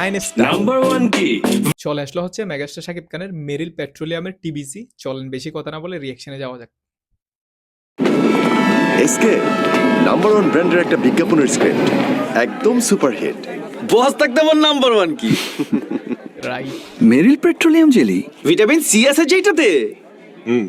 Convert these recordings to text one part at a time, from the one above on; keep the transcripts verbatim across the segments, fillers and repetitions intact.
Nine star. Number one কি? চলে আসলো হচ্ছে মেগাস্টার শাকিব খানের মেরিল পেট্রোলিয়ামের টিবিসি। চলেন বেশি কথা না বলে রিঅ্যাকশনে যাওয়া যাক। এসকে নাম্বার ওয়ান ব্র্যান্ডের একটা বিজ্ঞাপনের স্ক্রিপ্ট একদম সুপারহিট। বস থাকতে আমার নাম্বার ওয়ান কি? Right. Meril petroleum jelly, vitamin C আছে যেটাতে। হুম,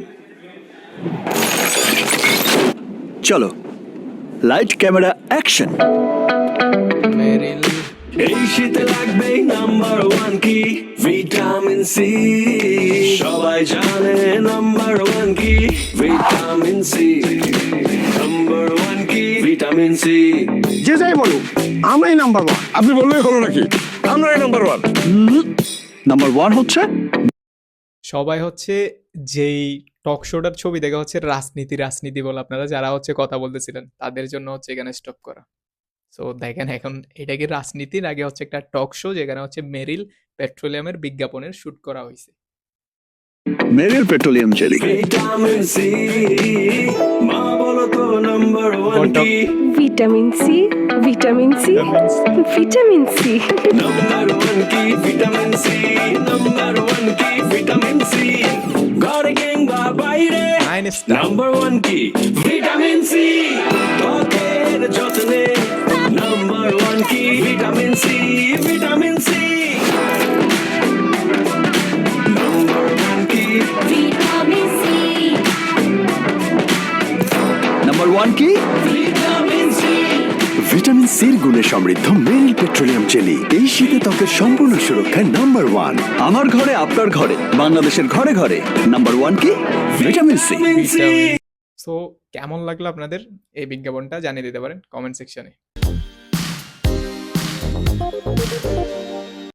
চলো লাইট ক্যামেরা অ্যাকশন। মেরিল এই শীতে লাগবে নাম্বার ওয়ান কি? Vitamin C. সবাই জানে নাম্বার ওয়ান কি? Vitamin C. নাম্বার ওয়ান কি? Vitamin C. যে যাই বলুক আমরাই নাম্বার ওয়ান। আপনি বললেই হলো নাকি? আমরাই নাম্বার ওয়ান। নাম্বার ওয়ান হচ্ছে সবাই হচ্ছে যেই টক শোটার ছবি দেখা হচ্ছে রাজনীতি রাজনীতি বলে আপনারা যারা হচ্ছে কথা বলতেছিলেন তাদের জন্য হচ্ছে এখানে স্টপ করা। সো দেখেন এখন এটা কি রাজনীতির আগে হচ্ছে একটা টক শো যেখানে হচ্ছে মেরিল পেট্রোলিয়ামের বিজ্ঞাপনের শুট করা হয়েছে। Meril petroleum jelly. Vitamin C. মা বলো তো নাম্বার ওয়ান কি? Vitamin C vitamin C vitamin C number one কি? Vitamin C. নাম্বার ওয়ান কি? Vitamin C. ঘরে কিংবা বাইরে নাইন স্টার। নাম্বার ওয়ান কি? Vitamin C. ত্বকের যত্নে নাম্বার ওয়ান কি? Vitamin C. Vitamin C. Number one কি? ভিটামিন সি নাম্বার ওয়ান কি? Vitamin C. ভিটামিন সির গুণে সমৃদ্ধ মেরিল পেট্রোলিয়াম জেলি এই শীতে ত্বকের সম্পূর্ণ সুরক্ষায় নাম্বার ওয়ান। আমার ঘরে আপনার ঘরে বাংলাদেশের ঘরে ঘরে নাম্বার ওয়ান কি? Vitamin C. সো কেমন লাগলো আপনাদের এই বিজ্ঞাপনটা জানিয়ে দিতে পারেন কমেন্ট সেকশনে।